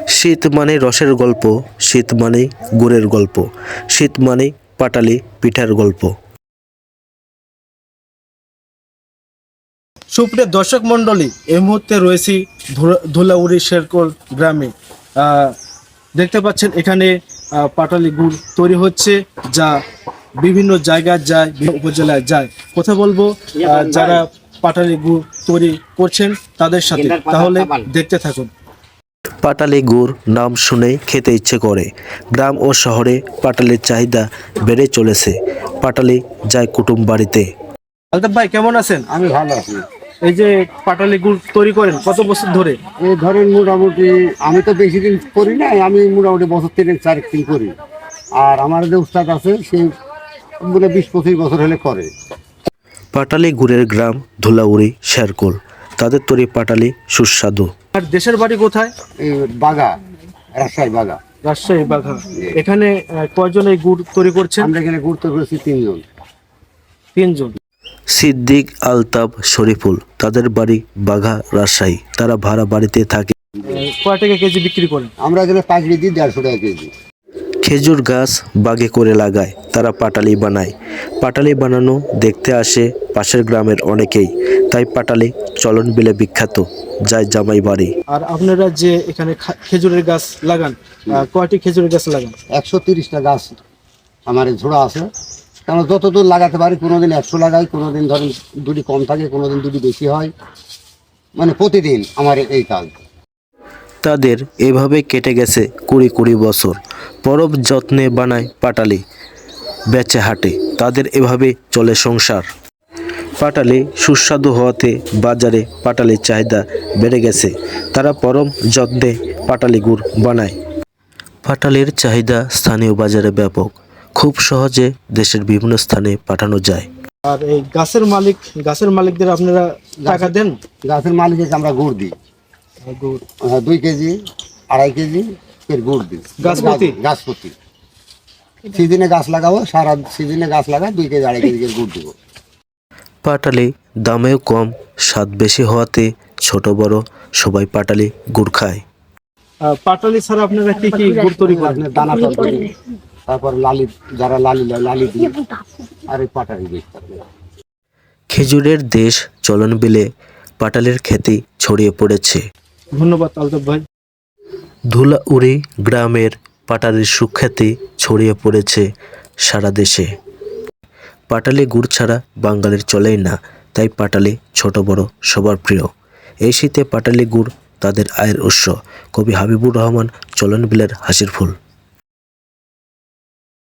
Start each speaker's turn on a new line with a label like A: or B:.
A: শীত মানে রসের গল্প, শীত মানে গুড়ের গল্প, শীত মানে পাটালি পিঠার গল্প।
B: সুপ্রিয় দর্শক মণ্ডলী, এই মুহূর্তে রয়েছি ধুলাউড়ি শেরকোল গ্রামে। দেখতে পাচ্ছেন এখানে পাটালি গুড় তৈরি হচ্ছে, যা বিভিন্ন জায়গায় যায়, বিভিন্ন উপজেলায় যায়। কথা বলবো যারা পাটালি গুড় তৈরি করছেন তাদের সাথে, তাহলে দেখতে থাকুন।
A: পাটালি গুড় নাম শুনেই খেতে ইচ্ছে করে। গ্রাম ও শহরে পাটালির চাহিদা বেড়ে চলেছে। পাটালি যায় কুটুম বাড়িতে।
B: আলতাফ ভাই, কেমন আছেন?
C: আমি ভালো আছি।
B: এই যে পাটালি গুড় তৈরি করেন কত বছর ধরে?
C: এই ধরেন মোটামুটি আমি তো বেশি দিন করি না, আমি মোটামুটি বছর 3-4 করি। আর আমার যে উস্তাদ আছে সে বলে 20-25 বছর হলে করে।
A: পাটালি গুড়ের গ্রাম ধুলাউড়ি শেরকোল। তাদের তৈরি পাটালি সুস্বাদু।
B: আর দেশের বাড়ি কোথায়?
C: এই বাগা, রাজশাহী বাগা।
B: রাজশাহী বাঘা। এখানে কয়জন এই গুড় তৈরি করছেন?
C: আমরা এখানে গুরুত্ব করেছি 3 জন।
B: 3 জন।
A: সিদ্দিক, আলতাফ, শরীফুল। তাদের বাড়ি বাঘা, রাজশাহী। তারা ভাড়া বাড়িতে থাকে।
B: কয় টাকা কেজি বিক্রি করেন?
C: আমরা এখানে পাইকারি দিই 150 টাকা কেজি।
A: খেজুর গাছ বাগে করে লাগায়, তারা পাটালি বানায়। পাটালি বানানো দেখতে আসে পাশের গ্রামের অনেকেই। তাই পাটালি চলন বিলে বিখ্যাত, যায় জামাই বাড়ি।
B: আর আপনারা যে এখানে খেজুরের গাছ লাগান, কয়টি খেজুরের গাছ লাগান?
C: 130টা গাছ আমার এই ঝোড়া আছে। কারণ যতদূর লাগাতে পারি, কোনোদিন 100 লাগাই, কোনোদিন ধরেন 2টি কম থাকে, কোনোদিন 2টি বেশি হয়। মানে প্রতিদিন আমার এই কাজ।
A: তাদের এভাবে কেটে গেছে 20 বছর। পরব যত্নে বানায় পাটালি, বেচে হাটে। তাদের এভাবে চলে সংসার। পাটালি সুস্বাদু হওয়াতে বাজারে পাটালির চাহিদা বেড়ে গেছে। তারা পরম যত্নে পাটালি গুড় বানায়। পাটালির চাহিদা স্থানীয় বাজারে ব্যাপক। খুব সহজে দেশের বিভিন্ন স্থানে পাঠানো যায়।
B: আর এই গাছের মালিকদের আপনারা টাকা দেন?
C: গাছের মালিককে আমরা গুড় দিই।
B: গুড়
C: 2 কেজি, 2.5 কেজি এর গুড় দিই
B: গাছ
C: প্রতি। সিজনে গাছ লাগাবো, সারা সিজনে গাছ লাগা 2 কেজি 2.5 কেজি গুড় দিব।
A: পাটালি দামেও কম, স্বাদ বেশি হওয়াতে ছোট বড় সবাই পাটালি গুড় খায়।
B: পাটালি ছাড়া আপনারা কি কি গুড় তৈরি করেন?
C: আপনার দানা তরকারি, তারপর লালি, যারা লালি দিই, আর এই পাটালি দিই।
A: খেজুরের দেশ চলন বিলে পাটালির খ্যাতি ছড়িয়ে পড়েছে।
B: ধন্যবাদ আলতাফ ভাই।
A: ধুলাউড়ি গ্রামের পাটালির সুখ্যাতি ছড়িয়ে পড়েছে সারা দেশে। পাটালি গুড় ছাড়া বাঙালির চলেই না, তাই পাটালি ছোট বড় সবার প্রিয়। এই শীতে পাটালি গুড় তাদের আয়ের উৎস। কবি হাবিবুর রহমান চলন বিলের হাসির ফুল।